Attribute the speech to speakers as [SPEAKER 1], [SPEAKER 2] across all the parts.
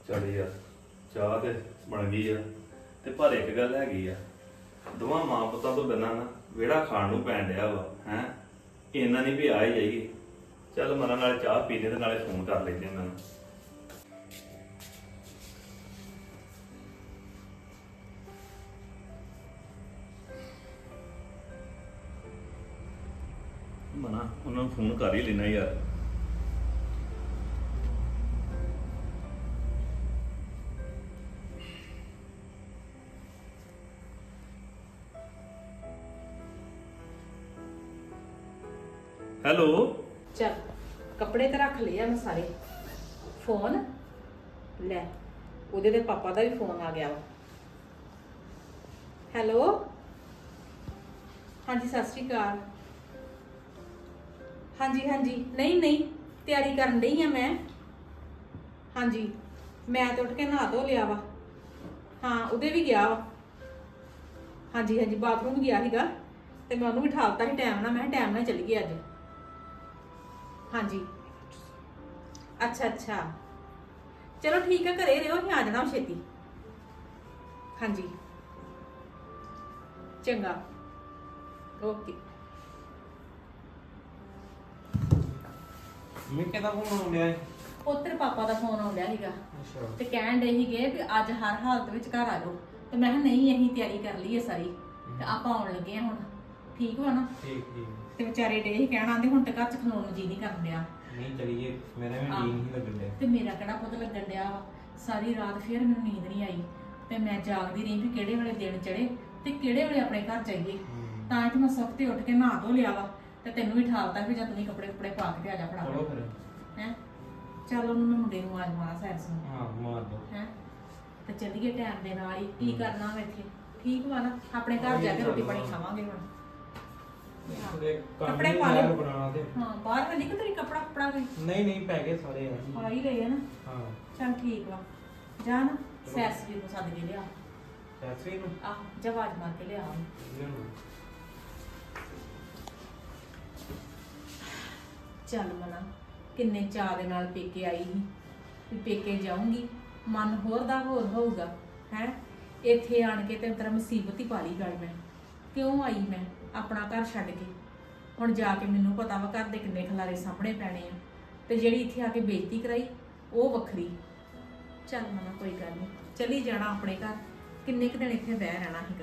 [SPEAKER 1] ਚੱਲ ਯਾਰ ਚਾਹ ਤੇ ਬਣ ਗਈ ਆ ਤੇ ਪਰ ਇੱਕ ਗੱਲ ਹੈਗੀ ਆ ਦੋਵਾਂ ਮਾਂ ਪੁੱਤਾਂ ਤੋਂ ਬਿਨਾਂ ਨਾ ਵਿਹੜਾ ਖਾਣ ਨੂੰ ਪੈਣ ਡਿਆ ਵਾ ਹੈ ਇੰਨਾ ਨਹੀਂ ਵੀ ਆ ਹੀ ਜਾਈਏ ਚੱਲ ਮਨਾਂ ਨਾਲ ਚਾਹ ਪੀਣੇ ਤੇ ਨਾਲੇ ਫੋਨ ਕਰ ਲੈਂਦੇ ਉਹਨਾਂ ਨੂੰ ਮਨਾ ਉਹਨਾਂ ਨੂੰ ਫੋਨ ਕਰ ਹੀ ਲੈਣਾ ਯਾਰ ਹੈਲੋ
[SPEAKER 2] ਚੱਲ ਕੱਪੜੇ ਤੇ ਰੱਖ ਲਏ ਆ ਮੈਂ ਸਾਰੇ ਫੋਨ ਲੈ ਉਹਦੇ ਦੇ ਪਾਪਾ ਦਾ ਵੀ ਫੋਨ ਆ ਗਿਆ ਵਾ ਹੈਲੋ ਹਾਂਜੀ ਸਤਿ ਸ਼੍ਰੀ ਅਕਾਲ ਹਾਂਜੀ ਹਾਂਜੀ ਨਹੀਂ ਨਹੀਂ ਤਿਆਰੀ ਕਰਨ ਡਈ ਆ ਮੈਂ ਹਾਂਜੀ ਮੈਂ ਤਾਂ ਉੱਠ ਕੇ ਨਹਾ ਧੋ ਲਿਆ ਵਾ ਹਾਂ ਉਹਦੇ ਵੀ ਗਿਆ ਵਾ ਹਾਂਜੀ ਹਾਂਜੀ ਬਾਥਰੂਮ ਗਿਆ ਸੀਗਾ ਤੇ ਮੈਂ ਉਹਨੂੰ ਵੀ ਠਾਲਤਾ ਸੀ ਟਾਈਮ ਨਾਲ ਮੈਂ ਟਾਈਮ ਨਾਲ ਚਲੀ ਗਈ ਅੱਜ ਹਾਂਜੀ ਅੱਛਾ ਅੱਛਾ ਚਲੋ ਠੀਕ ਹੈ ਘਰੇ ਰਹੋ ਅਸੀਂ ਆ ਜਾਣਾ ਛੇਤੀ ਹਾਂਜੀ ਚੰਗਾ ਓਕੇ
[SPEAKER 3] ਮੈਂ ਕਿਹਦਾ ਫੋਨ ਆਉਣ ਡਿਆ ਏ?
[SPEAKER 2] ਉੱਤਰ ਪਾਪਾ ਦਾ ਫੋਨ ਆਉਂਦਾ ਸੀਗਾ
[SPEAKER 3] ਅੱਛਾ
[SPEAKER 2] ਤੇ ਕਹਿਣ ਡੇ ਸੀਗੇ ਵੀ ਅੱਜ ਹਰ ਹਾਲਤ ਵਿੱਚ ਘਰ ਆ ਜਾਓ ਤੇ ਮੈਂ ਕਿਹਾ ਨਹੀਂ ਅਸੀਂ ਤਿਆਰੀ ਕਰ ਲਈ ਹੈ ਸਾਰੀ ਤੇ ਆਪਾਂ ਆਉਣ ਲੱਗੇ ਆ ਹੁਣ ਠੀਕ ਵਾ ਨਾ
[SPEAKER 3] ਠੀਕ ਠੀਕ
[SPEAKER 2] ਤੇ ਵਿਚਾਰੇ ਡੇ ਹੀ ਕਹਿਣਾ ਆਂਦੇ ਹੁਣ ਤੇ ਘਰ ਚ ਖਲੋਣ ਨੂੰ ਜੀ ਨਹੀਂ ਕਰਨ ਡਿਆ
[SPEAKER 3] ਨਹੀਂ ਚਲੀਏ ਮੇਰਾ ਵੀ
[SPEAKER 2] ਹਾਂ।
[SPEAKER 3] ਨੀਂਦ ਨਹੀਂ ਲੱਗਣ ਡਿਆ
[SPEAKER 2] ਤੇ ਮੇਰਾ ਕਿਹੜਾ ਪੁੱਤ ਲੱਗਣ ਡਿਆ ਵਾ ਸਾਰੀ ਰਾਤ ਫਿਰ ਮੈਨੂੰ ਨੀਂਦ ਨਹੀਂ ਆਈ ਤੇ ਮੈਂ ਜਾਗਦੀ ਰਹੀ ਵੀ ਕਿਹੜੇ ਵੇਲੇ ਦਿਨ ਚੜੇ ਤੇ ਕਿਹੜੇ ਵੇਲੇ ਆਪਣੇ ਘਰ ਜਾਈਏ ਤਾਂ ਹੀ ਤੇ ਮੈਂ ਸੁੱਤੇ ਉੱਠ ਕੇ ਨਹਾ ਧੋ ਲਿਆ ਵਾ ਤੇ ਤੈਨੂੰ ਵੀ ਠਾਲਤਾ ਵੀ ਜਦ ਨਹੀਂ ਕੱਪੜੇ ਕੁਪੜੇ ਪਾ ਕੇ ਤੇ ਆ ਜਾ ਫੜਾ
[SPEAKER 3] ਚਲੋ ਫਿਰ
[SPEAKER 2] ਹੈ ਚੱਲ ਉਹਨੂੰ ਮੈਂ ਮੁੰਡੇ ਨੂੰ ਆਜ ਮਾਰਾ ਸੈਰਸ ਨੂੰ
[SPEAKER 3] ਹਾਂ ਮਾਰ ਦੋ
[SPEAKER 2] ਹੈ ਤੇ ਚੱਲੀਏ ਟਾਈਮ ਦੇ ਨਾਲ ਹੀ ਕੀ ਕਰਨਾ ਵਾ ਇੱਥੇ ਠੀਕ ਵਾ ਨਾ ਆਪਣੇ ਘਰ ਜਾ ਕੇ ਰੋਟੀ ਪਾਣੀ ਖਾਵਾਂਗੇ ਹੁਣ ਕੱਪੜੇ ਪਾ ਲੈ
[SPEAKER 3] ਬਣਾਉਣਾ ਤੇ
[SPEAKER 2] ਹਾਂ ਬਾਹਰ ਨਹੀਂ ਕਿ ਤੇਰੀ ਕੱਪੜਾ ਕੁਪੜਾ ਕੋਈ
[SPEAKER 3] ਨਹੀਂ ਨਹੀਂ ਪੈ ਗਏ ਸਾਰੇ ਆ
[SPEAKER 2] ਪਾ ਹੀ ਲਏ ਆ ਨਾ
[SPEAKER 3] ਹਾਂ
[SPEAKER 2] ਚੱਲ ਠੀਕ ਵਾ ਜਾ ਨਾ ਸੈਰਸ ਵੀ ਨੂੰ ਸੱਦ ਕੇ ਲਿਆ
[SPEAKER 3] ਸੈਸਰੀ ਨੂੰ
[SPEAKER 2] ਆ ਜਵਾਜ ਮਾਰ ਕੇ ਲਿਆ ਚੱਲ ਮਨਾ ਕਿੰਨੇ ਚਾਅ ਦੇ ਨਾਲ ਪੇਕੇ ਆਈ ਸੀ ਵੀ ਪੇਕੇ ਜਾਊਂਗੀ ਮਨ ਹੋਰ ਦਾ ਹੋਰ ਹੋਊਗਾ ਹੈ ਇੱਥੇ ਆਣ ਕੇ ਤੇ ਤੇਰਾ ਮੁਸੀਬਤ ਹੀ ਪਾ ਲਈ ਗੱਲ ਮੈਂ ਕਿਉਂ ਆਈ ਮੈਂ ਆਪਣਾ ਘਰ ਛੱਡ ਕੇ ਹੁਣ ਜਾ ਕੇ ਮੈਨੂੰ ਪਤਾ ਵਾ ਘਰ ਦੇ ਕਿੰਨੇ ਖਲਾਰੇ ਸਾਹਮਣੇ ਪੈਣੇ ਆ ਤੇ ਜਿਹੜੀ ਇੱਥੇ ਆ ਕੇ ਬੇਇੱਜ਼ਤੀ ਕਰਾਈ ਉਹ ਵੱਖਰੀ ਚੱਲ ਮਨਾ ਕੋਈ ਗੱਲ ਨਹੀਂ ਚਲੀ ਜਾਣਾ ਆਪਣੇ ਘਰ ਕਿੰਨੇ ਕੁ ਦਿਨ ਇੱਥੇ ਬਹਿ ਰਹਿਣਾ ਸੀਗਾ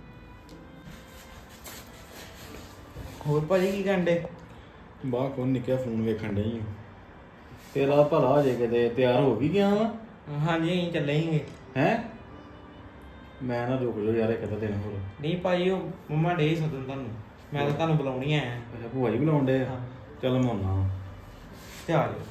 [SPEAKER 3] ਹੋਰ ਭਾਜੀ ਕੀ ਕੰਡੇ
[SPEAKER 4] ਬਾਹਰ ਕੋਲ ਨਿੱਕਿਆ ਫੋਨ ਵੇਖਣ ਡਈ ਤੇਰਾ ਭਲਾ ਹੋ ਜੇ ਕਿਤੇ ਤਿਆਰ ਹੋ ਵੀ ਗਿਆ ਵਾ
[SPEAKER 3] ਹਾਂਜੀ ਅਸੀਂ ਚੱਲੇ ਸੀਗੇ
[SPEAKER 4] ਹੈ ਮੈਂ ਨਾ ਰੁਕ ਜਾ ਯਾਰ ਇੱਕ ਤਾਂ ਦਿਨ ਹੋਰ
[SPEAKER 3] ਨਹੀਂ ਭਾਜੀ ਉਹ ਮੰਮਾ ਡੇ ਸਦਨ ਤੁਹਾਨੂੰ ਮੈਂ ਤਾਂ ਤੁਹਾਨੂੰ ਬੁਲਾਉਣੀ ਆਇਆ
[SPEAKER 4] ਅੱਛਾ ਭੂਆ ਜੀ ਬੁਲਾਉਣ ਡੇ
[SPEAKER 3] ਹਾਂ।
[SPEAKER 4] ਚੱਲ ਮੈਂ ਆਉਣਾ
[SPEAKER 3] ਤੇ ਆ ਜਾਓ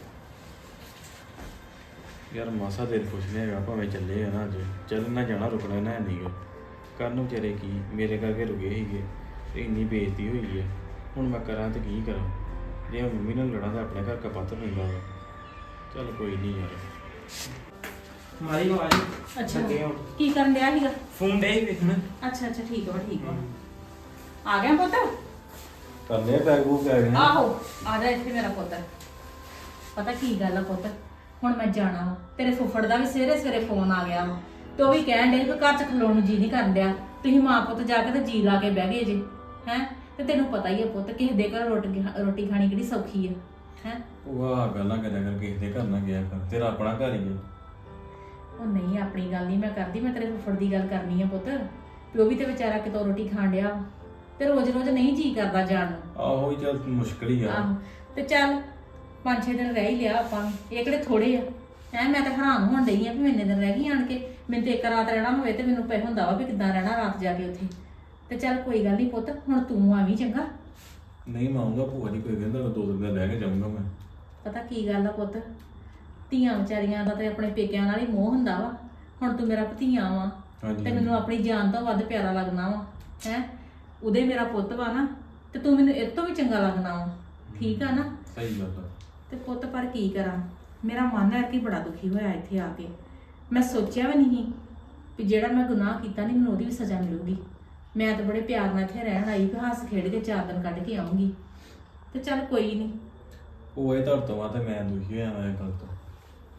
[SPEAKER 4] ਯਾਰ ਮਾਸਾ ਦਿਲ ਖੁਸ਼ ਨਹੀਂ ਹੈਗਾ ਭਾਵੇਂ ਚੱਲੇ ਆ ਨਾ ਅੱਜ ਚੱਲ ਨਾ ਜਾਣਾ ਰੁਕਣਾ ਨਾ ਨਹੀਂਗਾ ਕਰਨ ਵਿਚਾਰੇ ਕੀ ਮੇਰੇ ਕਰਕੇ ਰੁਕੇ ਸੀਗੇ ਤੇ ਇੰਨੀ ਬੇਇੱਜ਼ਤੀ ਹੋਈ ਹੈ ਹੁਣ ਮੈਂ ਕਰਾਂ ਤੇ ਕੀ ਕਰਾਂ ਜੇ ਮੈਂ ਮੰਮੀ ਨਾਲ ਲੜਾਂ ਤਾਂ ਆਪਣੇ ਘਰ ਕਪੱਤ ਪੈਂਦਾ ਵਾ ਚੱਲ ਕੋਈ ਨਹੀਂ ਯਾਰ
[SPEAKER 3] ਮਾਰੀ ਆਵਾਜ਼
[SPEAKER 2] ਅੱਛਾ
[SPEAKER 3] ਲੱਗੇ ਹੁਣ।
[SPEAKER 2] ਕੀ ਕਰਨ ਡਿਆ ਸੀਗਾ
[SPEAKER 3] ਫੋਨ ਡੇ ਵੇਖਣ
[SPEAKER 2] ਅੱਛਾ ਅੱਛਾ ਠੀਕ ਵਾ ਆ ਗਿਆ ਪੁੱਤ
[SPEAKER 4] ਕਰਨੇ ਪੈਗ ਬੂਗ ਪੈ ਗਏ
[SPEAKER 2] ਆਹੋ ਆ ਜਾ ਇੱਥੇ ਮੇਰਾ ਪੁੱਤ ਪਤਾ ਕੀ ਗੱਲ ਆ ਪੁੱਤ ਹੁਣ ਮੈਂ ਜਾਣਾ ਵਾ ਤੇਰੇ ਫੁੱਫੜ ਦਾ ਵੀ ਸਵੇਰੇ ਸਵੇਰੇ ਫੋਨ ਆ ਗਿਆ ਵਾ ਤੇ ਉਹ ਵੀ ਕਹਿਣ ਡੇ ਕਿ ਘਰ ਚ ਖਲੋਣ ਨੂੰ ਜੀ ਨਹੀਂ ਕਰਨ ਡਿਆ ਤੁਸੀਂ ਮਾਂ ਪੁੱਤ ਜਾ ਕੇ ਤੇ ਜੀ ਲਾ ਕੇ ਬਹਿ ਗਏ ਜੇ ਹੈ ਤੇ ਤੈਨੂੰ ਪਤਾ ਹੀ ਆ ਪੁੱਤ ਕਿਸੇ ਦੇ ਘਰ ਰੋਟੀ ਖਾਣੀ ਕਿਹੜੀ ਸੌਖੀ ਆ ਹੈ
[SPEAKER 4] ਉਹ ਆ ਗੱਲਾਂ ਕਰਿਆ ਕਰ ਕਿਸੇ ਦੇ ਘਰ ਨਾ ਗਿਆ ਕਰ ਤੇਰਾ ਆਪਣਾ ਘਰ ਹੀ ਹੈ
[SPEAKER 2] ਉਹ ਨਹੀਂ ਆਪਣੀ ਗੱਲ ਨਹੀਂ ਮੈਂ ਕਰਦੀ ਮੈਂ ਤੇਰੇ ਫੁੱਫੜ ਦੀ ਗੱਲ ਕਰਨੀ ਆ ਪੁੱਤ ਵੀ ਉਹ ਵੀ ਤੇ ਵਿਚਾਰਾ ਕਿਤੋਂ ਰੋਟੀ ਖਾਣ ਡਿਆ ਵਾ ਤੇ ਰੋਜ਼ ਰੋਜ਼ ਨਹੀਂ ਜੀ ਕਰਦਾ ਜਾਣ ਨੂੰ
[SPEAKER 4] ਆਹੋ ਹੀ ਚੱਲ ਮੁਸ਼ਕਲ ਹੀ ਆ
[SPEAKER 2] ਆਹੋ ਤੇ ਚੱਲ 5-6 ਦਿਨ ਰਹਿ ਹੀ ਲਿਆ ਆਪਾਂ ਇਹ ਕਿਹੜੇ ਥੋੜੇ ਆ ਹੈ ਮੈਂ ਤਾਂ ਹੈਰਾਨ ਹੋਣ ਡਈ ਆ ਵੀ ਇੰਨੇ ਦਿਨ ਰਹਿ ਗਈ ਆਣ ਕੇ ਮੈਨੂੰ ਤੇ ਇੱਕ ਰਾਤ ਰਹਿਣਾ ਹੋਵੇ ਤੇ ਮੈਨੂੰ ਪੈ ਹੁੰਦਾ ਵਾ ਵੀ ਕਿੱਦਾਂ ਰਹਿਣਾ ਰਾਤ ਜਾ ਕੇ ਉੱਥੇ ਤੇ ਚੱਲ ਕੋਈ ਗੱਲ ਨਹੀਂ ਪੁੱਤ ਹੁਣ ਤੂੰ ਆਵੀਂ ਚੰਗਾ
[SPEAKER 4] ਨਹੀਂ ਮੈਂ ਆਊਂਗਾ ਭੂਆ ਜੀ ਕੋਈ ਕਹਿੰਦਾ 2 ਦਿਨ ਰਹਿ ਕੇ ਜਾਊਂਗਾ ਮੈਂ
[SPEAKER 2] ਪਤਾ ਕੀ ਗੱਲ ਆ ਪੁੱਤ ਧੀਆਂ ਵਿਚਾਰੀਆਂ ਦਾ ਤੇ ਆਪਣੇ ਪੇਕਿਆਂ ਨਾਲ ਹੀ ਮੋਹ ਹੁੰਦਾ ਵਾ ਹੁਣ ਤੂੰ ਮੇਰਾ ਭਤੀਆ ਵਾ
[SPEAKER 4] ਹਾਂਜੀ
[SPEAKER 2] ਤੇ ਮੈਨੂੰ ਆਪਣੀ ਜਾਨ ਤੋਂ ਵੱਧ ਪਿਆਰਾ ਲੱਗਣਾ ਵਾ ਹੈ ਉਹਦੇ ਮੇਰਾ ਪੁੱਤ ਵਾ ਨਾ ਤੇ ਤੂੰ ਮੈਨੂੰ ਇਹ ਤੋਂ ਵੀ ਚੰਗਾ ਲੱਗਣਾ ਵਾ ਠੀਕ ਆ ਨਾ
[SPEAKER 4] ਸਹੀ ਗੱਲ ਆ
[SPEAKER 2] ਤੇ ਪੁੱਤ ਪਰ ਕੀ ਕਰਾਂ ਮੇਰਾ ਮਨ ਹੈ ਕਿ ਬੜਾ ਦੁਖੀ ਹੋਇਆ ਇੱਥੇ ਆ ਕੇ ਮੈਂ ਸੋਚਿਆ ਵੀ ਨਹੀਂ ਵੀ ਜਿਹੜਾ ਮੈਂ ਗੁਨਾਹ ਕੀਤਾ ਨਹੀਂ ਮੈਨੂੰ ਉਹਦੀ ਵੀ ਸਜ਼ਾ ਮਿਲੂਗੀ ਮੈਂ ਤਾਂ ਬੜੇ ਪਿਆਰ ਨਾਲ ਇੱਥੇ ਰਹਿਣ ਆਈ ਵੀ ਹੱਸ ਖੇਡ ਕੇ 4 ਦਿਨ ਕੱਢ ਕੇ ਆਉਂਗੀ ਤੇ ਚੱਲ ਕੋਈ ਨਹੀਂ
[SPEAKER 4] ਉਹ ਇਹ ਤੁਹਾਡੇ ਤੋਂ ਬਾਅਦ ਮੈਂ ਦੁਖੀ ਹੋਇਆ ਮੈਂ ਗੱਲ ਤੋਂ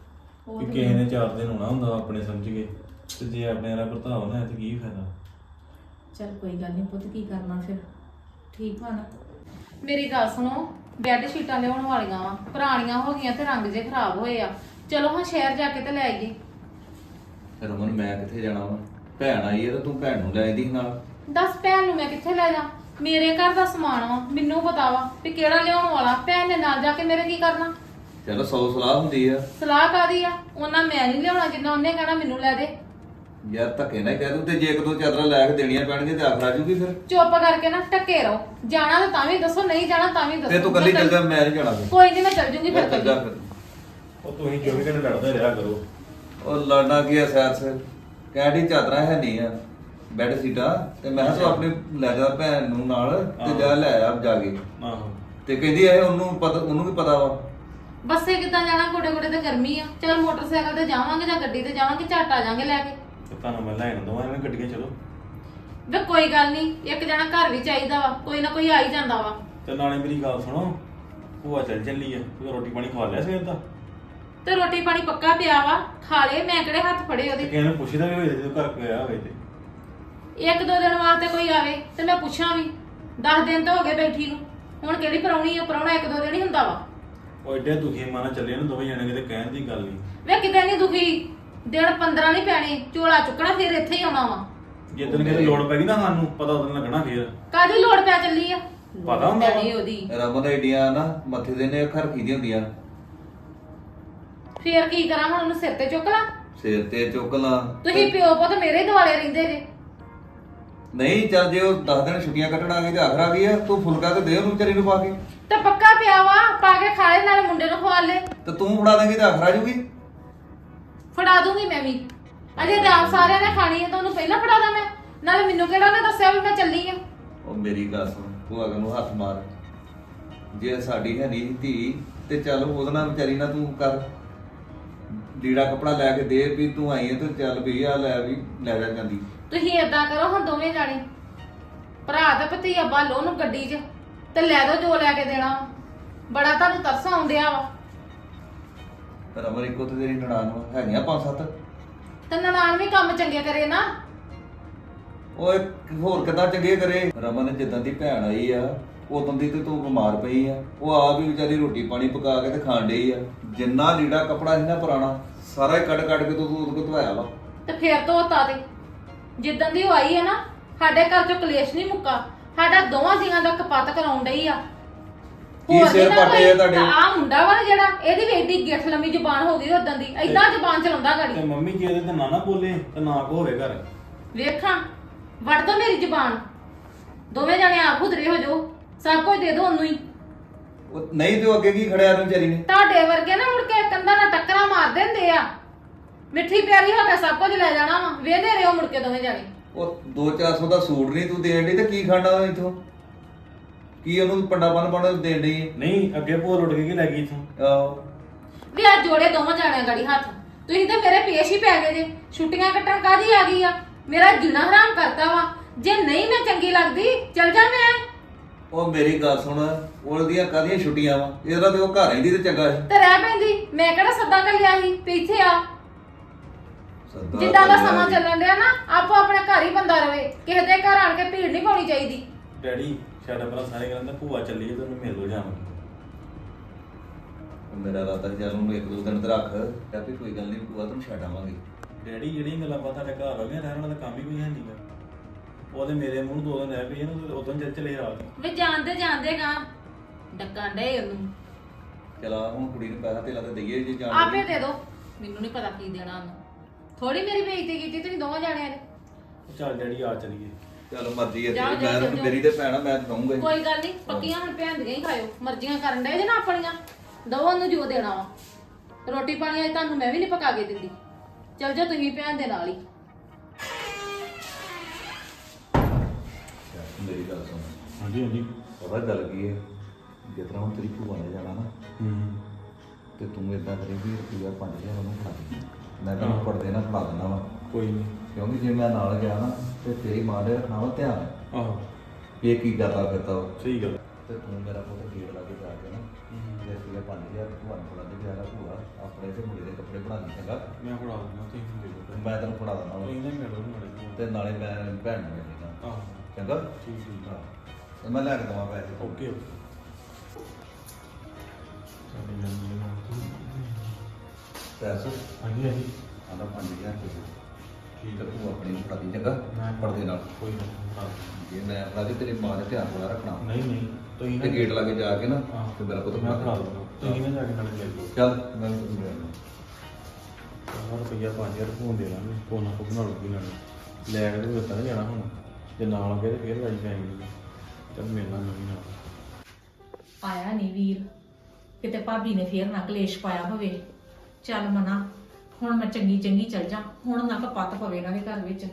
[SPEAKER 2] ਉਹ
[SPEAKER 4] ਕਿ
[SPEAKER 2] ਤੇ
[SPEAKER 4] ਕਿਸੇ ਨੇ 4 ਦਿਨ ਹੋਣਾ ਹੁੰਦਾ ਆਪਣੇ ਸਮਝ ਕੇ, ਤੇ ਜੇ ਆਪਣੇ ਵਾਲਾ ਭਰਤਾ ਹੋਣਾ ਤੇ ਕੀ ਫਾਇਦਾ।
[SPEAKER 2] ਚੱਲ ਕੋਈ ਗੱਲ ਨਹੀਂ ਪੁੱਤ, ਕੀ ਕਰਨਾ ਫਿਰ, ਠੀਕ ਵਾ ਨਾ।
[SPEAKER 5] ਮੇਰੀ ਗੱਲ ਸੁਣੋ, ਬੈੱਡ ਸ਼ੀਟਾਂ ਲਿਆਉਣ ਵਾਲੀਆਂ ਵਾ, ਪੁਰਾਣੀਆਂ ਹੋ ਗਈਆਂ ਤੇ ਰੰਗ ਜੇ ਖਰਾਬ ਹੋਏ ਆ। ਚਲੋ ਹਾਂ ਸ਼ਹਿਰ ਜਾ ਕੇ ਤੇ ਲੈ ਆਈਏ।
[SPEAKER 6] ਰਮਨ ਮੈਂ ਕਿੱਥੇ ਜਾਣਾ ਵਾ? ਭੈਣ ਆਈ ਹੈ ਤਾਂ ਤੂੰ ਭੈਣ ਨੂੰ ਲੈ ਆਈਦੀ ਨਾਲ।
[SPEAKER 5] ਦੱਸ ਭੈਣ ਨੂੰ ਮੈਂ ਕਿੱਥੇ ਲੈ ਜਾ? ਮੇਰੇ ਘਰ ਦਾ ਸਮਾਨ ਵਾ, ਮੈਨੂੰ ਪਤਾ ਵਾ ਵੀ ਕਿਹੜਾ ਲਿਆਉਣ ਵਾਲਾ। ਭੈਣ ਨੇ ਨਾਲ ਜਾ ਕੇ ਮੇਰੇ ਕੀ ਕਰਨਾ?
[SPEAKER 6] ਚਲੋ 100 ਸਲਾਹ ਹੁੰਦੀ ਆ।
[SPEAKER 5] ਸਲਾਹ ਕਾਦੀ ਆ? ਉਹਨਾਂ ਮੈਂ ਨਹੀਂ ਲਿਆਉਣਾ ਜਿੰਨਾ ਉਹਨੇ ਕਹਿਣਾ ਮੈਨੂੰ ਲੈ ਦੇ।
[SPEAKER 6] ਯਾਰ ਧੱਕੇ ਨਾ ਕਹਿ ਦੂੰ, ਤੇ ਜੇ ਇੱਕ ਦੋ ਚਾਦਰਾਂ ਲੈ ਕੇ ਦੇਣੀਆਂ ਪੈਣਗੀਆਂ ਤੇ ਆਖਰ ਆ ਜੂਗੀ ਫਿਰ।
[SPEAKER 5] ਚੁੱਪ ਕਰਕੇ ਨਾ ਟੱਕੇ ਰਹੋ। ਜਾਣਾ ਤਾਂ ਵੀ ਦੱਸੋ, ਨਹੀਂ ਜਾਣਾ ਤਾਂ ਵੀ ਦੱਸੋ।
[SPEAKER 6] ਤੇ ਤੂੰ ਕੱਲੀ ਚੱਲ ਜਾ, ਮੈਂ ਨਹੀਂ ਜਾਣਾ ਫਿਰ।
[SPEAKER 5] ਕੋਈ ਨਹੀਂ, ਮੈਂ ਚੱਲ ਜੂੰਗੀ ਫਿਰ
[SPEAKER 6] ਚੱਲ ਜਾ
[SPEAKER 5] ਕੱਲੀ।
[SPEAKER 6] ਫਿਰ।
[SPEAKER 4] ਉਹ ਤੁਸੀਂ 24 ਘੰਟੇ ਲੜਦੇ ਰਿਹਾ ਕਰੋ।
[SPEAKER 6] ਉਹ ਲੜਨਾ ਕੀ ਆ ਸੈਰ ਸਿਰ, ਕਹਿਣੀ ਚਾਦਰਾਂ ਹੈ ਨਹੀਂ ਆ, ਬੈੱਡ ਸੀਟਾਂ, ਤੇ ਮੈਂ ਕਿਹਾ ਤੂੰ ਆਪਣੀ ਲੈ ਜਾ ਭੈਣ ਨੂੰ ਨਾਲ ਤੇ ਜਾ ਲੈ ਆ ਜਾ ਕੇ।
[SPEAKER 4] ਆਹੋ
[SPEAKER 6] ਤੇ ਕਹਿੰਦੀ ਇਹ ਉਹਨੂੰ ਪਤਾ, ਉਹਨੂੰ ਵੀ ਪਤਾ ਵਾ।
[SPEAKER 5] ਬੱਸੇ ਕਿੱਦਾਂ ਜਾਣਾ? ਗੋਡੇ ਗੋਡੇ ਤੇ ਗਰਮੀ ਆ। ਚਲ ਮੋਟਰਸਾਈਕਲ ਤੇ ਜਾਵਾਂਗੇ ਜਾਂ ਗੱਡੀ ਤੇ ਜਾਵਾਂਗੇ, ਝੱਟ ਆ ਜਾਾਂਗੇ ਲੈ ਕੇ।
[SPEAKER 4] ਤੇ ਤੁਹਾਨੂੰ ਮੈਂ ਲੈਣ ਦਵਾਂ ਇਹਨਾਂ ਗੱਡੀਆਂ, ਚਲੋ।
[SPEAKER 5] ਵੇ ਕੋਈ ਗੱਲ ਨਹੀਂ, ਇੱਕ ਜਣਾ ਘਰ ਵੀ ਚਾਹੀਦਾ ਵਾ, ਕੋਈ ਨਾ ਕੋਈ ਆ ਹੀ ਜਾਂਦਾ ਵਾ।
[SPEAKER 4] ਤੇ ਨਾਲੇ ਮੇਰੀ ਗੱਲ ਸੁਣੋ, ਭੂਆ ਚੱਲੀ ਆ, ਤੂੰ ਰੋਟੀ ਪਾਣੀ ਖਾ ਲਿਆ ਸਵੇਰ ਦਾ?
[SPEAKER 5] ਤੇ ਰੋਟੀ ਪਾਣੀ ਪੱਕਾ ਪਿਆ ਵਾ, ਖਾ ਲੇ। ਮੈਂ ਕਿਹੜੇ ਹੱਥ ਫੜੇ
[SPEAKER 4] ਤੇ
[SPEAKER 5] ਉਹਦੇ?
[SPEAKER 4] ਕਿਸੇ ਨੂੰ ਪੁੱਛਦਾ ਵੀ ਹੋਏ ਜਦੋਂ ਘਰ ਗਿਆ ਹੋਵੇ ਤੇ।
[SPEAKER 5] ਇੱਕ ਦੋ ਦਿਨ ਵਾਸਤੇ ਕੋਈ ਆਵੇ ਤੇ ਮੈਂ ਪੁੱਛਾਂ ਵੀ। 10 ਦਿਨ ਤਾਂ ਹੋ ਗਏ ਬੈਠੀ ਨੂੰ, ਹੁਣ ਕਿਹੜੀ ਪਰਾਉਣੀ ਆ? ਪਰਾਉਣਾ ਇੱਕ ਦੋ ਦਿਨ ਹੀ ਹੁੰਦਾ ਵਾ।
[SPEAKER 4] ਉਹ ਐਡੇ ਦੁਖੀ ਮਾਨਾ ਚੱਲੇ ਨੂੰ ਦੋਵੇਂ ਜਾਣੇ, ਕਿਤੇ ਕਹਿਣ ਦੀ ਗੱਲ ਨਹੀਂ।
[SPEAKER 5] ਵੇ ਕਿਤੇ ਨਹੀਂ ਦੁਖੀ, ਦਿਨ 15 ਨਹੀਂ ਪੈਣੇ, ਝੋਲਾ ਚੁੱਕਣਾ ਫਿਰ ਇੱਥੇ ਹੀ ਆਉਣਾ ਵਾ।
[SPEAKER 4] ਜਿੱਦਣ ਕਿਤੇ ਲੋੜ ਪੈ ਗਈ ਨਾ ਸਾਨੂੰ ਪਤਾ ਉਦੋਂ ਲੱਗਣਾ ਫੇਰ।
[SPEAKER 5] ਕਾਹਦੀ ਲੋੜ ਪੈ ਚੱਲੀ ਆ?
[SPEAKER 4] ਪਤਾ ਹੁੰਦਾ ਵਾ।
[SPEAKER 5] ਡੈਡੀ ਉਹਦੀ
[SPEAKER 6] ਰਮਨ ਏਡੀਆਂ ਨਾ ਮੱਥੇ ਦੇ ਨੇ ਅੱਖਾਂ ਰੱਖੀ ਦੀਆਂ ਹੁੰਦੀਆਂ।
[SPEAKER 5] ਫੇਰ ਕੀ ਕਰਾਂ ਹੁਣ? ਉਹਨੂੰ ਸਿਰ ਤੇ ਚੁੱਕ ਲਾ?
[SPEAKER 6] ਸਿਰ ਤੇ ਚੁੱਕ ਲਾ।
[SPEAKER 5] ਤੁਸੀਂ ਪਿਓ ਪੁੱਤ ਮੇਰੇ ਦੁਆਲੇ ਰਹਿੰਦੇ ਜੇ।
[SPEAKER 6] ਨਹੀਂ ਚੱਲ ਜੇ ਉਹ 10 ਦਿਨ ਛੁੱਟੀਆਂ ਕੱਟਣ ਆ ਗਈ ਤੇ ਆਖਰ ਆ ਗਈ ਆ, ਤੂੰ ਫੁਲਕਾ ਤੇ ਦੇ ਉਹਨੂੰ ਵਿਚਾਰੀ ਨੂੰ ਪਾ ਕੇ।
[SPEAKER 5] ਤੇ ਪੱਕਾ ਪਿਆ ਵਾ, ਪਾ ਕੇ ਖਾਏ, ਨਾਲੇ ਮੁੰਡੇ ਨੂੰ ਖਵਾ ਲੈ।
[SPEAKER 6] ਤੇ ਤੂੰ ਫੜਾ ਦੇਂਗੀ ਤੇ ਆਖਰ ਆ ਜੂਗੀ।
[SPEAKER 5] ਫੜਾ ਦੂੰਗੀ ਮੈਂ ਵੀ। ਅਜੇ ਤਾਂ ਆਪ ਸਾਰਿਆਂ ਨੇ ਖਾਣੀ ਹੈ ਤਾਂ ਉਹਨੂੰ ਪਹਿਲਾਂ ਫੜਾ ਦਾਂ ਮੈਂ? ਨਾਲੇ ਮੈਨੂੰ ਕਿਹੜਾ ਉਹਨੇ ਦੱਸਿਆ ਵੀ ਮੈਂ ਚੱਲੀ ਆ?
[SPEAKER 6] ਉਹ ਮੇਰੀ ਗੱਲ ਸੁਣ, ਤੂੰ ਅਗਰ ਨੂੰ ਹੱਥ ਮਾਰ। ਜੇ ਸਾਡੀ ਹੈ ਨਹੀਂ ਧੀ ਤੇ ਚੱਲ ਉਹਦੇ ਨਾਲ ਵਿਚਾਰੀ ਨਾਲ ਤੂੰ ਕਰ, ਲੀੜਾ ਕਪੜਾ ਲੈ ਕੇ ਦੇ ਵੀ ਤੂੰ ਆਈ ਹੈ ਤੇ ਚੱਲ ਵੀ ਆ ਲੈ ਵੀ ਲੈ ਜਾ ਜਾਂਦੀ।
[SPEAKER 5] ਤੁਸੀਂ ਏਦਾਂ ਕਰੋ ਹੁਣ ਦੋਵੇਂ ਜਾਣੇ, ਭਰਾ ਤੇ ਭਤੀਆ ਬਾਲੋ ਉਹਨੂੰ ਗੱਡੀ 'ਚ ਤੇ ਲੈ ਦੋ ਜੋ ਲੈ ਕੇ ਦੇਣਾ। ਬੜਾ ਤੁਹਾਨੂੰ ਤਰਸ ਆਉਂਦਿਆ ਵਾ।
[SPEAKER 6] ਰਮਨ ਇੱਕੋ ਤੇ ਤੇਰੀ ਨਨਾਣ ਹੈਗੀਆਂ 5-7।
[SPEAKER 5] ਤੇ ਨਨਾਣ ਵੀ ਕੰਮ ਚੰਗੇ ਕਰੇ ਨਾ।
[SPEAKER 6] ਓਏ ਹੋਰ ਕਿੱਦਾਂ ਚੰਗੇ ਕਰੇ? ਰਮਨ ਜਿੱਦਾਂ ਦੀ ਭੈਣ ਆਈ ਆ ਉਦੋਂ ਦੀ ਤੇ ਤੂੰ ਬਿਮਾਰ ਪਈ ਆ, ਉਹ ਆਪ ਹੀ ਵਿਚਾਰੀ ਰੋਟੀ ਪਾਣੀ ਪਕਾ ਕੇ ਤੇ ਖਾਣ ਡਈ ਆ। ਜਿੰਨਾ ਲੀੜਾ ਕਪੜਾ ਸੀ ਨਾ ਪੁਰਾਣਾ ਸਾਰਾ ਹੀ ਕੱਢ ਕੱਢ ਕੇ ਤੂੰ ਉਹਦੇ ਕੋਲ ਧਵਾਇਆ ਵਾ।
[SPEAKER 5] ਤੇ ਫੇਰ ਧੋਤਾ ਤੇ ਜਿੱਦਾਂ ਦੀ ਉਹ ਆਈ ਹੈ ਨਾ, ਸਾਡੇ ਘਰ 'ਚੋਂ ਕਲੇਸ਼ ਨਹੀਂ ਮੁੱਕਾ। ਸਾਡਾ ਦੋਵਾਂ ਜੀਆਂ ਦਾ ਕਪੱਤ ਕਰਾਉਣ ਡਈ ਆ।
[SPEAKER 6] ਕੀ ਸਿਰ ਪਾਟੇ ਆ ਤੁਹਾਡੇ?
[SPEAKER 5] ਆ ਮੁੰਡਾ ਵਾ ਨਾ ਜਿਹੜਾ, ਇਹਦੀ ਵੀ ਏਡੀ ਗਿੱਠ ਲੰਮੀ ਜ਼ੁਬਾਨ ਹੋ ਗਈ ਉਦਾਂ ਦੀ, ਏਦਾਂ ਜ਼ੁਬਾਨ ਚਲਾਉਂਦਾ
[SPEAKER 4] ਤੇ
[SPEAKER 5] ਗਾੜੀ।
[SPEAKER 4] ਮੰਮੀ ਜੀ ਇਹਦੇ ਤੇ ਨਾ ਬੋਲੇ ਤੇ ਨਾ ਕੋ ਹੋਵੇ ਘਰ।
[SPEAKER 5] ਵੇਖਾਂ ਵੜ ਦੋ ਮੇਰੀ ਜ਼ੁਬਾਨ। ਦੋਵੇਂ ਜਣੇ ਆਪ ਖੁਦਰੇ ਹੋ ਜਾਓ, ਸਭ ਕੁਝ ਦੇ ਦੋ ਉਹਨੂੰ ਹੀ।
[SPEAKER 6] ਉਹ ਨਹੀਂ ਤੇ ਉਹ ਅੱਗੇ ਕੀ ਖੜਿਆ ਨੂੰ ਵਿਚਾਰੀ ਨੇ?
[SPEAKER 5] ਤੁਹਾਡੇ ਵਰਗੇ ਨਾ ਮੁੜ ਕੇ ਕੰਧਾਂ ਨਾਲ ਟੱਕਰਾਂ ਮਾਰ ਦਿੰਦੇ ਆ। ਮਿੱਠੀ ਪਿਆਰੀ ਹੋ ਕੇ ਸਭ ਕੁਝ ਲੈ ਜਾਣਾ ਵਾ, ਵੇਹਦੇ ਰਹੋ ਮੁੜ ਕੇ ਦੋਵੇਂ ਜਾਣੇ।
[SPEAKER 6] ਉਹ 200-400 ਦਾ ਸੂਟ ਨਹੀਂ ਤੂੰ ਦੇਣ ਡਈ ਤੇ ਕੀ ਖਾਣਾ ਇਥੋਂ? ਕੀ ਉਹਨੂੰ ਪੰਡਾ ਬੰਨ ਦੇਣ ਡਈ ਹੈ?
[SPEAKER 4] ਨਹੀਂ ਅੱਗੇ ਭੂਆ ਲੁੱਟ ਕੇ ਲੈ ਗਈ ਇਥੋਂ।
[SPEAKER 6] ਆਹੋ
[SPEAKER 5] ਵੀ ਆ ਜੋੜੇ ਦੋਵਾਂ ਜਾਣਿਆਂ ਗਾੜੀ ਹੱਥ। ਤੁਸੀਂ ਤੇ ਮੇਰੇ ਪੇਸ਼ ਹੀ ਪੈ ਗਏ ਜੇ। ਛੁੱਟੀਆਂ ਕੱਟਣ ਕਾਦੀ ਆ ਗਈ ਆ? ਮੇਰਾ ਜੀਣਾ ਹਰਾਮ ਕਰਤਾ ਵਾ। ਜੇ ਨਹੀਂ ਮੈਂ ਚੰਗੀ ਲੱਗਦੀ ਚਲ ਜਾ ਮੈਂ।
[SPEAKER 6] ਉਹ ਮੇਰੀ ਗੱਲ ਸੁਣ, ਉਹਦੀਆਂ ਕਾਹਦੀਆਂ ਛੁੱਟੀਆਂ ਵਾ? ਇਹਦਾ ਤੇ ਉਹ ਘਰ ਰਹਿੰਦੀ ਤੇ ਚੰਗਾ ਸੀ।
[SPEAKER 5] ਤੇ ਰਹਿ ਪੈਂਦੀ। ਮੈਂ ਕਿਹੜਾ ਸੱਦਾ ਘੱਲਿਆ ਸੀ ਵੀ ਇੱਥੇ ਆ।
[SPEAKER 6] ਸਰਦਾਰ
[SPEAKER 5] ਜਿੱਦਾਂ ਦਾ
[SPEAKER 6] ਕਲਿਆ
[SPEAKER 5] ਸਮਾਂ
[SPEAKER 6] ਜੀ।
[SPEAKER 5] ਚੱਲਣ ਡਿਆ ਨਾ, ਆਪੋ ਆਪਣੇ ਘਰ ਹੀ ਬੰਦਾ ਰਵੇ। ਕਿਸੇ ਦੇ ਘਰ ਆਣ ਕੇ ਭੀੜ ਨਹੀਂ ਪਾਉਣੀ ਚਾਹੀਦੀ।
[SPEAKER 4] ਡੈਡੀ ਸਾਡਾ ਭਰਾ ਸਾਰੇ ਕਹਿੰਦੇ ਭੂਆ ਚੱਲੀ ਤੇ ਉਹਨੂੰ ਮਿਲ ਲੋ ਜਾਵਾਂਗੇ।
[SPEAKER 6] ਮੇਰਾ ਰਾਤਾ ਚੱਲ ਉਹਨੂੰ 1-2 ਦਿਨ ਤੇ ਰੱਖ, ਤੇ ਵੀ ਕੋਈ ਗੱਲ ਨਹੀਂ ਭੂਆ ਤੈਨੂੰ ਛੱਡ ਆਵਾਂਗੇ।
[SPEAKER 4] ਡੈਡੀ ਜਿਹੜੀਆਂ ਗੱਲਾਂ ਬਾਤਾਂ ਸਾਡੇ ਘਰ ਹੋ ਗਈਆਂ, ਰਹਿਣ ਵਾਲਾ ਤਾਂ ਕੰਮ ਹੀ ਕੋਈ ਹੈ ਨਹੀਂਗਾ। ਉਹਦੇ ਮੇਰੇ ਮੂੰਹ 2 ਦਿਨ ਰਹਿ ਪਈ ਇਹਨੂੰ, ਉਦੋਂ ਚੱਲ ਚਲੇ ਰਾਤ।
[SPEAKER 5] ਵੇ ਜਾਣਦੇ ਗਾ ਡੱਕਾਂ ਡੇ ਉਹਨੂੰ।
[SPEAKER 6] ਚਲਾ ਹੁਣ ਕੁੜੀ ਨੂੰ ਪੈਸਾ ਧੇਲਾ ਤੇ ਦਈਏ ਜੇ ਜਾਣ
[SPEAKER 5] ਆਪੇ ਦੇ ਦੋ, ਮੈਨੂੰ ਨਹੀਂ ਪਤਾ ਕੀ ਦੇਣਾ ਉਹਨੂੰ। ਥੋੜੀ ਮੇਰੀ ਬੇਇੱਜ਼ਤੀ ਕੀਤੀ ਤੁਸੀਂ ਦੋਵਾਂ ਜਾਣਿਆਂ ਨੇ।
[SPEAKER 4] ਚੱਲ ਡੈਡੀ ਆ ਚਲੀਏ।
[SPEAKER 6] ਚਲ ਮਰਜ਼ੀ ਹੈ
[SPEAKER 5] ਜਾਓ,
[SPEAKER 6] ਤੇਰੀ,
[SPEAKER 5] ਜਾਓ,
[SPEAKER 6] ਮੈਂ
[SPEAKER 5] ਜਾਓ।
[SPEAKER 6] ਤਾਂ ਮੇਰੀ ਤੇ ਭੈਣ ਆ, ਮੈਂ ਤਾਂ ਦਊਂਗਾ ਹੀ।
[SPEAKER 5] ਕੋਈ ਗੱਲ ਨਹੀਂ, ਪੱਕੀਆਂ ਹੁਣ ਭੈਣ ਦੀਆਂ ਹੀ ਖਾਇਓ। ਮਰਜ਼ੀਆਂ ਕਰਨ ਡਏ ਜੇ ਨਾ ਆਪਣੀਆਂ, ਦੋ ਉਹਨੂੰ ਜੋ ਦੇਣਾ ਵਾ। ਰੋਟੀ ਪਾਣੀ ਅੱਜ ਤੁਹਾਨੂੰ ਮੈਂ ਵੀ ਨਹੀਂ ਪਕਾ ਕੇ ਦਿੰਦੀ। ਚਲ ਜਾ ਤੁਸੀਂ ਭੈਣ ਦੇ ਨਾਲ ਹੀ।
[SPEAKER 6] ਮੇਰੀ ਗੱਲ ਸੁਣ,
[SPEAKER 4] ਹਾਂਜੀ ਹਾਂਜੀ।
[SPEAKER 6] ਪਤਾ ਗੱਲ ਕੀ ਹੈ? ਜਿਸ ਤਰ੍ਹਾਂ ਹੁਣ ਤੇਰੀ ਭੂਆ ਨੇ ਜਾਣਾ ਨਾ, ਤੇ ਤੂੰ ਇਦਾਂ ਕਰੇ ਵੀ ਰੁਪਈਆ 5000 ਉਹਨੂੰ ਖਾ ਦੇ। ਮੈਂ ਤੈਨੂੰ ਪੜਦੇ ਨਾ ਫੜਾ ਦਿੰਦਾ ਵਾ,
[SPEAKER 4] ਕੋਈ ਨਹੀਂ।
[SPEAKER 6] ਕਿਉਂਕਿ ਜੇ ਮੈਂ ਨਾਲ ਗਿਆ ਨਾ ਤੇ ਤੇਰੀ ਮਾਂ ਦੇ ਰੱਖਣਾ ਵਾ ਧਿਆਨ,
[SPEAKER 4] ਆਹੋ
[SPEAKER 6] ਵੀ ਇਹ ਕੀ ਕਰਦਾ ਫਿਰਦਾ ਵਾ।
[SPEAKER 4] ਸਹੀ ਗੱਲ।
[SPEAKER 6] ਤੇ ਤੂੰ ਮੇਰਾ ਪੁੱਤ ਗੇੜ ਲਾ ਕੇ ਜਾ ਕੇ ਨਾ, ਜੇ ਰੁਪਈਆ 5000 ਭੂਆ ਨੂੰ ਫੜਾ ਦੇ, ਪਿਆਰਾ ਭੂਆ ਆਪਣੇ ਤੇ ਮੁੰਡੇ ਦੇ ਕੱਪੜੇ ਬਣਾ ਲਈ ਚੰਗਾ
[SPEAKER 4] ਮੈਂ ਫੜਾ ਦਿੰਦਾ ਤੁਸੀਂ ਦੇ ਦਿਓ
[SPEAKER 6] ਮੈਂ ਤੈਨੂੰ ਫੜਾ ਦਿੰਦਾ
[SPEAKER 4] ਤੁਸੀਂ
[SPEAKER 6] ਵਾ।
[SPEAKER 4] ਨਾ ਮਿਲੋ ਨਾਲੇ
[SPEAKER 6] ਤੇ ਨਾਲੇ ਮੈਂ ਭੈਣ ਨੂੰ ਮਿਲ ਲੈਣਾ
[SPEAKER 4] ਆਹੋ
[SPEAKER 6] ਚੰਗਾ
[SPEAKER 4] ਠੀਕ ਠੀਕ
[SPEAKER 6] ਹਾਂ ਤੇ ਮੈਂ ਲੈ ਕੇ ਦਵਾਂ ਪੈਸੇ
[SPEAKER 4] ਓਕੇ ਓਕੇ ਸਾਡੇ ਜੰਮੀ ਨਾ
[SPEAKER 6] ਪੈਸੇ
[SPEAKER 4] ਹਾਂਜੀ ਹਾਂਜੀ
[SPEAKER 6] ਆਂਦਾ 5000 ਰੁਪਏ
[SPEAKER 4] ਠੀਕ
[SPEAKER 6] ਤੇ ਤੂੰ ਆਪਣੀ ਨੂੰ ਫੜਾ ਦੀ ਚੰਗਾ
[SPEAKER 4] ਮੈਂ
[SPEAKER 6] ਪੜਦੇ ਨਾਲ
[SPEAKER 4] ਕੋਈ ਨਹੀਂ
[SPEAKER 6] ਜੇ ਮੈਂ ਫੜਾ ਦੇ ਤੇਰੀ ਮਾਂ ਨੇ ਧਿਆਨ ਬੜਾ ਰੱਖਣਾ
[SPEAKER 4] ਨਹੀਂ ਨਹੀਂ ਤੁਸੀਂ
[SPEAKER 6] ਤੇ ਗੇਟ ਲਾਗੇ ਜਾ ਕੇ ਨਾ
[SPEAKER 4] ਹਾਂ
[SPEAKER 6] ਤੇ ਮੇਰਾ ਪੁੱਤ
[SPEAKER 4] ਮੈਂ
[SPEAKER 6] ਫੜਾ
[SPEAKER 4] ਫੜਾ
[SPEAKER 6] ਦੇ।
[SPEAKER 4] ਦੂੰਗਾ ਤੁਸੀਂ ਨਾ ਜਾ ਕੇ ਨਾਲੇ ਲੈ ਲਓ
[SPEAKER 6] ਚੱਲ ਮੈਂ ਤੈਨੂੰ ਦੇ ਦਿੰਦਾ।
[SPEAKER 4] ਰੁਪਈਆ 5000 ਫੋਨ ਦੇ ਲਾਂਗੇ ਕੋਨਾ ਕੋ ਬਣਾ ਲੂਗੀ ਨਾਲੇ ਲੈ ਕੇ ਤੇ ਦਿੱਤਾ ਨਾ ਜਾਣਾ ਹੁਣ ਜੇ ਨਾਲ ਲੱਗੇ ਤੇ ਫੇਰ ਲਾਈ ਜਾਏਗੀ ਚੱਲ ਮਿਲਣਾ ਮੈਂ ਵੀ ਨਾਲ
[SPEAKER 2] ਆਇਆ ਨਹੀਂ ਵੀਰ, ਕਿਤੇ ਭਾਬੀ ਨੇ ਫੇਰ ਨਾ ਕਲੇਸ਼ ਪਾਇਆ ਹੋਵੇ। ਚੱਲ ਮਨਾ, ਹੁਣ ਮੈਂ ਚੰਗੀ ਚੰਗੀ ਚੱਲ ਜਾ, ਹੁਣ ਨਾ ਕਪੱਤ ਪਵੇ ਇਹਨਾਂ ਦੇ ਘਰ ਵਿੱਚ।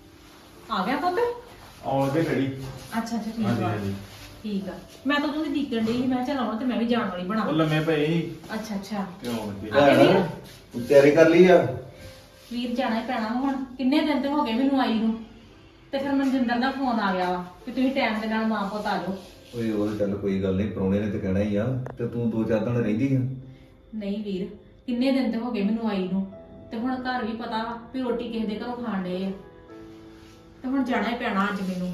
[SPEAKER 2] ਆ ਗਿਆ ਪੁੱਤ?
[SPEAKER 4] ਆਉਣ ਲੱਗੇ ਖੜੀ
[SPEAKER 2] ਅੱਛਾ ਅੱਛਾ ਠੀਕ
[SPEAKER 4] ਹਾਂਜੀ
[SPEAKER 2] ਆ
[SPEAKER 4] ਹਾਂਜੀ
[SPEAKER 2] ਠੀਕ ਆ। ਮੈਂ ਤਾਂ ਉਹਦੀ ਦੀਕਣ ਡਈ ਸੀ, ਮੈਂ ਕਿਹਾ ਚੱਲ ਆਉਣਾ ਤੇ ਮੈਂ ਵੀ ਜਾਣ ਵਾਲੀ ਬਣਾ।
[SPEAKER 4] ਉਹ ਲੰਮੇ ਪਏ ਸੀ
[SPEAKER 2] ਅੱਛਾ ਅੱਛਾ
[SPEAKER 4] ਤੇ ਆਉਣ ਲੱਗੇ
[SPEAKER 2] ਆ ਗਏ ਵੀਰ?
[SPEAKER 6] ਤੂੰ ਤਿਆਰੀ ਕਰ ਲਈ ਆ
[SPEAKER 2] ਵੀਰ ਜਾਣਾ ਹੀ ਪੈਣਾ ਵਾ ਹੁਣ, ਕਿੰਨੇ ਦਿਨ ਤੇ ਹੋ ਗਏ ਮੈਨੂੰ ਆਈ ਨੂੰ। ਤੇ ਫਿਰ ਮਨਜਿੰਦਰ ਦਾ ਫੋਨ ਆ ਗਿਆ ਵਾ ਕਿ ਤੁਸੀਂ ਟਾਈਮ ਦੇ ਨਾਲ ਮਾਂ ਪੁੱਤ ਆ ਜਾਓ।
[SPEAKER 6] ਓਏ ਉਹ ਚੱਲ ਕੋਈ ਗੱਲ ਨਹੀਂ ਪ੍ਰਾਹੁਣੇ ਨੇ ਤੇ ਕਹਿਣਾ ਹੀ ਆ ਤੇ ਤੂੰ 2-4 ਦਿਨ ਰਹਿੰਦੀ ਆ
[SPEAKER 2] ਨਹੀਂ ਵੀਰ, ਕਿੰਨੇ ਦਿਨ ਤੇ ਹੋ ਗਏ ਮੈਨੂੰ ਆਈ ਨੂੰ, ਤੇ ਹੁਣ ਘਰ ਵੀ ਪਤਾ ਵਾ ਵੀ ਰੋਟੀ ਕਿਸੇ ਦੇ ਘਰੋਂ ਖਾਣ ਡਏ ਆ, ਤੇ ਹੁਣ ਜਾਣਾ ਹੀ ਪੈਣਾ ਅੱਜ ਮੈਨੂੰ।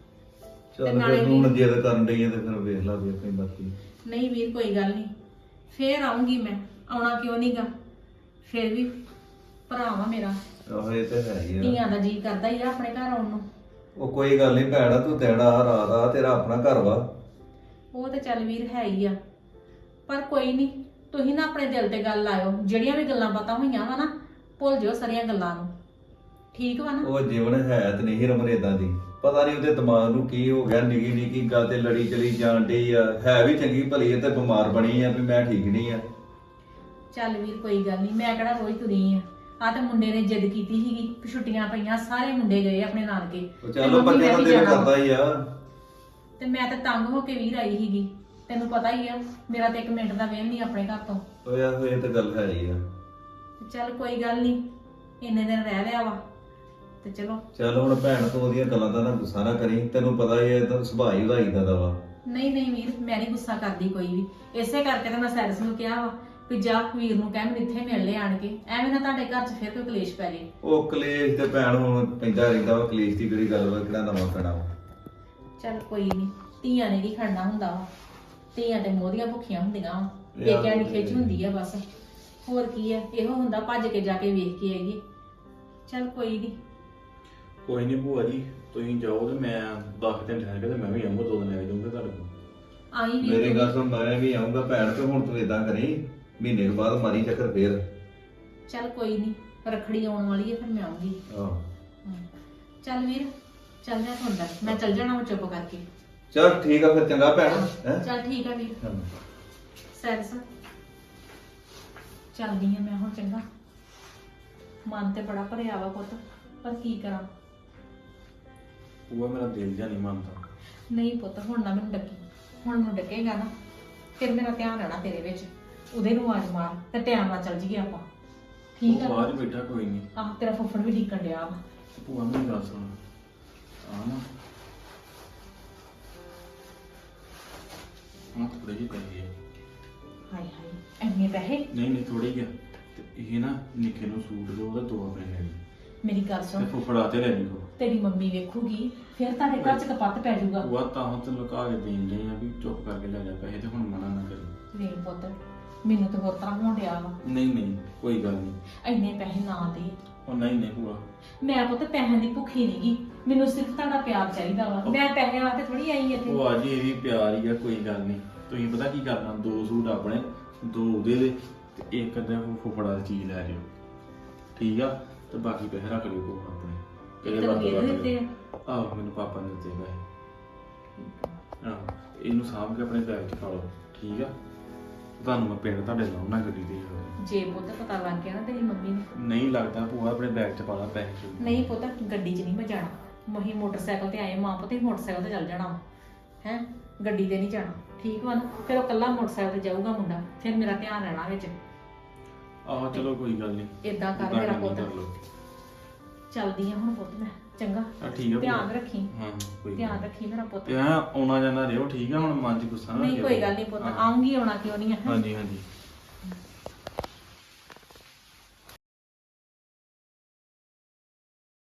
[SPEAKER 6] ਚੱਲ
[SPEAKER 2] ਨਾਲੇ
[SPEAKER 6] ਫਿਰ ਤੂੰ ਜਿੱਦ ਕਰਨ ਡਈ ਆ ਤੇ ਫਿਰ ਵੇਖ ਲਾ ਵੀ ਆਪਣੀ ਬਾਕੀ
[SPEAKER 2] ਨਹੀਂ ਵੀਰ ਕੋਈ ਗੱਲ ਨਹੀਂ, ਫੇਰ ਆਉਂਗੀ ਮੈਂ, ਆਉਣਾ ਕਿਉਂ ਨਹੀਂਗਾ, ਫੇਰ ਵੀ ਭਰਾ ਵਾ ਮੇਰਾ,
[SPEAKER 6] ਆਹੋ ਇਹ ਤੇ ਹੈ ਹੀ ਆ
[SPEAKER 2] ਧੀਆਂ ਦਾ ਜੀ ਕਰਦਾ ਹੀ ਆ ਆਪਣੇ ਘਰ ਆਉਣ ਨੂੰ।
[SPEAKER 6] ਉਹ ਕੋਈ ਗੱਲ ਨਹੀਂ ਭੈਣਾ ਤੂੰ ਤੇੜਾ ਰਾਤ ਆ ਤੇਰਾ ਆਪਣਾ ਘਰ ਵਾ
[SPEAKER 2] ਉਹ ਤੇ ਚੱਲ ਵੀਰ ਹੈ ਹੀ ਆ, ਪਰ ਕੋਈ ਨਹੀਂ, ਤੁਸੀਂ ਨਾ ਆਪਣੇ ਦਿਲ ਤੇ ਗੱਲ ਲਾਇਓ, ਜਿਹੜੀਆਂ ਵੀ ਗੱਲਾਂ ਬਾਤਾਂ ਹੋਈਆਂ ਵਾ ਨਾ ਭੁੱਲ ਜਿਓ ਸਾਰੀਆਂ ਗੱਲਾਂ ਨੂੰ, ਠੀਕ ਵਾ ਨਾ?
[SPEAKER 6] ਉਹ ਜੀਵਨ ਹੈ ਤੇ ਨਹੀਂ ਰਮਨ ਏਦਾਂ ਦੀ, ਪਤਾ ਨਹੀਂ ਉਹਦੇ ਦਿਮਾਗ ਨੂੰ ਕੀ ਹੋ ਗਿਆ, ਨਿੱਕੀ ਨਿੱਕੀ ਗੱਲ ਤੇ ਲੜੀ ਚਲੀ ਜਾਣ ਡਈ ਆ, ਹੈ ਵੀ ਚੰਗੀ ਭਲੀ ਆ ਤੇ ਬਿਮਾਰ ਬਣੀ ਆ ਵੀ ਮੈਂ ਠੀਕ ਨਹੀਂ ਆ।
[SPEAKER 2] ਚੱਲ ਵੀਰ ਕੋਈ ਗੱਲ ਨਹੀਂ, ਮੈਂ ਕਿਹੜਾ ਰੋਜ਼ ਤੁਰੀ ਆ ਤੇ ਮੁੰਡੇ ਨੇ ਜਿੱਦ ਕੀਤੀ ਸੀਗੀ ਕਿ ਛੁੱਟੀਆਂ ਪਈਆਂ, ਸਾਰੇ ਮੁੰਡੇ ਗਏ ਆਪਣੇ ਨਾਨਕੇ,
[SPEAKER 6] ਉਹ
[SPEAKER 2] ਤੇ
[SPEAKER 6] ਚੱਲ
[SPEAKER 2] ਮੰਮੀ
[SPEAKER 6] ਬੱਚੇ
[SPEAKER 2] ਮੈਂ
[SPEAKER 6] ਦਾ
[SPEAKER 2] ਵੀ
[SPEAKER 6] ਦਿਲ
[SPEAKER 2] ਜਾਣਾ
[SPEAKER 6] ਕਰਦਾ ਹੀ ਆ।
[SPEAKER 2] ਤੇ ਮੈਂ ਤਾਂ ਤੰਗ ਹੋ ਕੇ ਵੀਰ ਆਈ ਸੀਗੀ, ਤੈਨੂੰ ਪਤਾ ਹੀ ਆ ਮੇਰਾ ਤੇ 1 ਮਿੰਟ ਦਾ ਵੇਲ ਨਹੀਂ ਆਪਣੇ ਘਰ ਤੋਂ।
[SPEAKER 6] ਓਏ ਆਹੋ ਇਹ ਤਾਂ ਗੱਲ ਹੈ ਹੀ ਆ।
[SPEAKER 2] ਤੇ ਚੱਲ ਕੋਈ ਗੱਲ ਨਹੀਂ, ਇੰਨੇ ਦਿਨ ਰਹਿ ਲਿਆ ਵਾ ਤੇ ਚਲੋ।
[SPEAKER 6] ਚੱਲ ਹੁਣ ਭੈਣ ਤੂੰ ਉਹਦੀਆਂ ਗੱਲਾਂ ਦਾ ਨਾ ਗੁੱਸਾ ਨਾ ਕਰੀ, ਤੈਨੂੰ ਪਤਾ ਹੀ ਹੈ ਤਾਂ ਸੁਭਾਅ ਹੀ ਉਹਦਾ ਏਦਾਂ ਦਾ ਵਾ।
[SPEAKER 2] ਨਹੀਂ ਨਹੀਂ ਵੀਰ, ਮੈਂ ਨਹੀਂ ਗੁੱਸਾ ਕਰਦੀ ਕੋਈ ਵੀ, ਇਸੇ ਕਰਕੇ ਤਾਂ ਮੈਂ ਸੈਰਸ ਨੂੰ ਕਿਹਾ ਵਾ ਵੀ ਜਾ ਵੀਰ ਨੂੰ ਕਹਿ ਮੈਨੂੰ ਇੱਥੇ ਮਿਲ ਲੈ ਆਣ ਕੇ, ਐਵੇਂ ਨਾ ਤੁਹਾਡੇ ਘਰ 'ਚ ਫਿਰ ਕੋਈ ਕਲੇਸ਼ ਪੈ ਜੇ।
[SPEAKER 6] ਉਹ ਕਲੇਸ਼ ਤੇ ਭੈਣ ਹੁਣ ਪੈਂਦਾ ਰਹਿੰਦਾ ਵਾ, ਕਲੇਸ਼ ਦੀ ਕਿਹੜੀ ਗੱਲ ਵਾ, ਕਿਹੜਾ ਨਵਾਂ ਪੈਣਾ ਵਾ।
[SPEAKER 2] ਚੱਲ ਕੋਈ ਨਹੀਂ, ਧੀਆਂ ਨੇ ਕੀ ਖੜਨਾ ਹੁੰਦਾ ਵਾ, ਧੀਆਂ ਤੇ ਮੋਹਦੀਆਂ ਭੁੱਖੀਆਂ ਹੁੰਦੀਆਂ ਵਾ, ਪੇਕਿਆਂ ਦੀ ਖਿੱਚ ਹੁੰਦੀ ਆ ਬਸ, ਹੋਰ ਕੀ ਆ, ਇਹੋ ਹੁੰਦਾ ਭੱਜ ਕੇ ਜਾ ਕੇ ਵੇਖ ਕੇ ਆਈਏ। ਚੱਲ ਕੋਈ ਨਹੀਂ,
[SPEAKER 4] ਕੋਈ ਨਹੀਂ ਭੂਆ ਜੀ ਤੁਸੀਂ ਜਾਓ ਤੇ ਮੈਂ 10 ਦਿਨ ਠਹਿਰ ਕੇ ਤੇ ਮੈਂ ਵੀ ਆਉਂਗਾ 2 ਦਿਨ ਲੈ ਜਾਊਂਗਾ ਤੁਹਾਡੇ ਕੋਲ
[SPEAKER 2] ਆਈ ਵੀ
[SPEAKER 6] ਮੇਰੀ ਗੱਲ ਸੁਣ, ਮੈਂ ਵੀ ਆਉਂਗਾ ਭੈਣ, ਤੇ ਹੁਣ ਤੂੰ ਏਦਾਂ ਕਰੀ ਮਹੀਨੇ ਕੁ ਬਾਅਦ ਮਾਰੀ ਚੱਕਰ ਫੇਰ।
[SPEAKER 2] ਚੱਲ ਕੋਈ ਨਹੀਂ, ਰੱਖੜੀ ਆਉਣ ਵਾਲੀ ਹੈ, ਫਿਰ ਮੈਂ ਆਉਂਗੀ।
[SPEAKER 6] ਆਹ
[SPEAKER 2] ਚੱਲ ਵੀਰ, ਚੱਲ ਜਾ ਤੂੰ ਅੰਦਰ, ਮੈਂ ਚੱਲ ਜਾਣਾ ਵਾ ਚੁੱਪ ਕਰਕੇ।
[SPEAKER 6] ਚੱਲ ਠੀਕ ਆ ਫਿਰ, ਚੰਗਾ ਭੈਣ ਹੈ।
[SPEAKER 2] ਚੱਲ ਠੀਕ ਆ ਵੀਰ। ਸੈਰਸ ਚੱਲਦੀ ਆ ਮੈਂ ਹੁਣ, ਚੰਗਾ? ਮਨ ਤੇ ਬੜਾ ਭਰਿਆ ਵਾ ਪੁੱਤ, ਪਰ ਕੀ ਕਰਾਂ।
[SPEAKER 4] ਭੂਆ ਮੇਰਾ ਦਿਲ ਜਾਂ ਨਹੀਂ ਮੰਨਦਾ।
[SPEAKER 2] ਨਹੀਂ ਪੁੱਤ, ਹੁਣ ਨਾ ਮੈਨੂੰ ਡੱਕੀ, ਹੁਣ ਮੈਨੂੰ ਡੱਕੇਗਾ ਨਾ ਫਿਰ ਮੇਰਾ ਧਿਆਨ ਰਹਿਣਾ ਤੇਰੇ ਵਿੱਚ, ਉਹਦੇ ਨੂੰ ਆਵਾਜ਼ ਮਾਰ ਤੇ ਟਾਈਮ ਨਾਲ ਚੱਲ ਜੀਏ ਆਪਾਂ, ਠੀਕ
[SPEAKER 4] ਉਹ
[SPEAKER 2] ਆ?
[SPEAKER 4] ਬਾਹਰ ਹੀ ਬੈਠਾ ਕੋਈ ਨਹੀਂ।
[SPEAKER 2] ਆਹ ਤੇਰਾ ਫੁੱਫੜ ਵੀ ਢੀਕਣ ਡਿਆ ਵਾ।
[SPEAKER 4] ਭੂਆ ਮੇਰੀ ਗੱਲ ਸੁਣ ਆ ਨਾ ਹਾਂ ਥੋੜੇ ਜਿਹੇ ਪੈਸੇ ਆ।
[SPEAKER 2] ਹਾਏ ਹਾਏ, ਇੰਨੇ ਪੈਸੇ?
[SPEAKER 4] ਨਹੀਂ ਨਹੀਂ ਥੋੜੇ ਜਿਹੇ ਆ। ਤੇ ਇਹ ਨਾ ਨਿੱਕੇ ਨੂੰ ਸੂਟ ਦੋ, ਉਹਦਾ 2 ਆਪਣੇ ਲੈ ਲਈ
[SPEAKER 2] ਮੇਰੀ ਗੱਲ
[SPEAKER 4] ਤੇ
[SPEAKER 2] ਸੁਣ,
[SPEAKER 4] ਫੁੱਫੜਾ ਤੇ ਲੈ ਲਈ ਕੋ
[SPEAKER 2] ਤੇਰੀ ਮੰਮੀ ਵੇਖੂਗੀ ਫਿਰ ਤੁਹਾਡੇ ਘਰ 'ਚ ਕਪੱਤ ਪੈ ਜਾਊਗਾ।
[SPEAKER 4] ਭੂਆ ਤਾਂ ਹੁਣ ਤੈਨੂੰ ਲੁਕਾ ਕੇ ਦੇਣ ਦੇ ਆ ਵੀ ਚੁੱਪ ਕਰਕੇ ਲੈ ਜਾ ਪੈਸੇ ਤੇ ਹੁਣ ਮਨਾ ਨਾ ਕਰੀ।
[SPEAKER 2] ਵੇਖ ਪੁੱਤ, ਮੈਨੂੰ ਤਾਂ ਹੋਰ ਤਰ੍ਹਾਂ ਹੋਣ ਡਿਆ ਵਾ,
[SPEAKER 4] ਨਹੀਂ ਨਹੀਂ ਕੋਈ ਗੱਲ ਨਹੀਂ।
[SPEAKER 2] ਇੰਨੇ ਪੈਸੇ ਨਾ ਦੇ।
[SPEAKER 4] ਉਹ ਨਹੀਂ ਨਹੀਂ ਭੂਆ
[SPEAKER 2] ਮੈਂ ਪੁੱਤ ਪੈਸਿਆਂ ਦੀ ਭੁੱਖੀ ਨਹੀਂਗੀ, ਮੈਨੂੰ ਸਿਰਫ ਤੁਹਾਡਾ ਪਿਆਰ ਚਾਹੀਦਾ ਵਾ, ਮੈਂ ਪੈਸਿਆਂ ਵਾਸਤੇ ਥੋੜੀ ਆਈ ਇੱਥੇ।
[SPEAKER 4] ਉਹ ਅੱਜ ਇਹ ਵੀ ਪਿਆਰ ਹੀ ਆ, ਕੋਈ ਗੱਲ ਨਹੀਂ। ਤੁਸੀਂ ਪਤਾ ਕੀ ਕਰਨਾ, 2 ਸੂਟ ਆਪਣੇ 2 ਉਹਦੇ ਦੇ ਤੇ 1 ਅੱਧਾ ਫੁੱਫੜਾ ਦੀ ਚੀਜ਼ ਲੈ ਜਿਓ, ਠੀਕ ਆ? ਤੇ ਬਾਕੀ ਪੈਸੇ ਰੱਖ ਲਿਓ ਕੋਲ ਆਪਣੇ, ਕਿਹੜੇ
[SPEAKER 2] ਤੈਨੂੰ
[SPEAKER 4] ਬਾਤ
[SPEAKER 2] ਦੇ ਦਿੱਤੇ ਆ?
[SPEAKER 4] ਆਹੋ ਮੈਨੂੰ ਪਾਪਾ ਨੇ ਦਿੱਤੇ ਪੈਸੇ। ਆਹੋ ਇਹਨੂੰ ਸਾਂਭ ਕੇ ਆਪਣੇ ਬੈਗ 'ਚ ਪਾ ਲਓ, ਠੀਕ ਆ? ਤੁਹਾਨੂੰ ਮੈਂ ਪਿੰਡ ਤੁਹਾਡੇ ਲਾਉਣਾ ਗੱਡੀ ਤੇ।
[SPEAKER 2] ਜੇ ਪੁੱਤ ਪਤਾ ਲੱਗ ਗਿਆ ਨਾ ਤੇਰੀ ਮੰਮੀ ਨੂੰ।
[SPEAKER 4] ਨਹੀਂ ਲੱਗਦਾ ਭੂਆ, ਆਪਣੇ ਬੈਗ 'ਚ ਪਾ ਲਾ ਪੈਸੇ।
[SPEAKER 2] ਨਹੀਂ ਪੁੱਤ, ਗੱਡੀ 'ਚ ਨਹੀਂ ਮੈਂ ਜਾਣਾ, ਮਹੀਂ ਮੋਟਰਸਾਈਕਲ ਤੇ ਆਏ ਮਾਂ ਪੁੱਤ ਹੀ ਮੋਟਰਸਾਈਕਲ ਤੇ ਚੱਲ ਜਾਣਾ ਹੈ, ਗੱਡੀ ਤੇ ਨਹੀਂ ਜਾਣਾ, ਠੀਕ ਵਾ ਨਾ? ਫਿਰ ਉਹ ਕੱਲਾ ਮੋਟਰਸਾਈਕਲ ਤੇ ਜਾਊਗਾ ਮੁੰਡਾ, ਫਿਰ ਮੇਰਾ ਧਿਆਨ ਰਹਿਣਾ ਵਿੱਚ।
[SPEAKER 4] ਆਹੋ ਚਲੋ ਕੋਈ ਗੱਲ ਨਹੀਂ,
[SPEAKER 2] ਏਦਾਂ ਕਰ ਮੇਰਾ ਪੁੱਤ, ਚੱਲਦੀ ਆ ਹੁਣ ਪੁੱਤ ਮੈਂ, ਚੰਗਾ?
[SPEAKER 4] ਠੀਕ ਆ
[SPEAKER 2] ਧਿਆਨ ਰੱਖੀ,
[SPEAKER 4] ਹਾਂ ਕੋਈ
[SPEAKER 2] ਧਿਆਨ ਰੱਖੀ ਮੇਰਾ ਪੁੱਤ।
[SPEAKER 4] ਤੇ ਆਉਣਾ ਜਾਣਾ ਰਿਓ, ਠੀਕ ਆ? ਹੁਣ ਮਨ 'ਚ ਗੁੱਸਾ ਨਾ
[SPEAKER 2] ਨਹੀਂ ਕੋਈ ਗੱਲ ਨਹੀਂ ਪੁੱਤ, ਆਉਂਗੀ, ਆਉਣਾ ਕਿਉਂ ਨਹੀਂ ਹੈ।
[SPEAKER 4] ਹਾਂਜੀ ਹਾਂਜੀ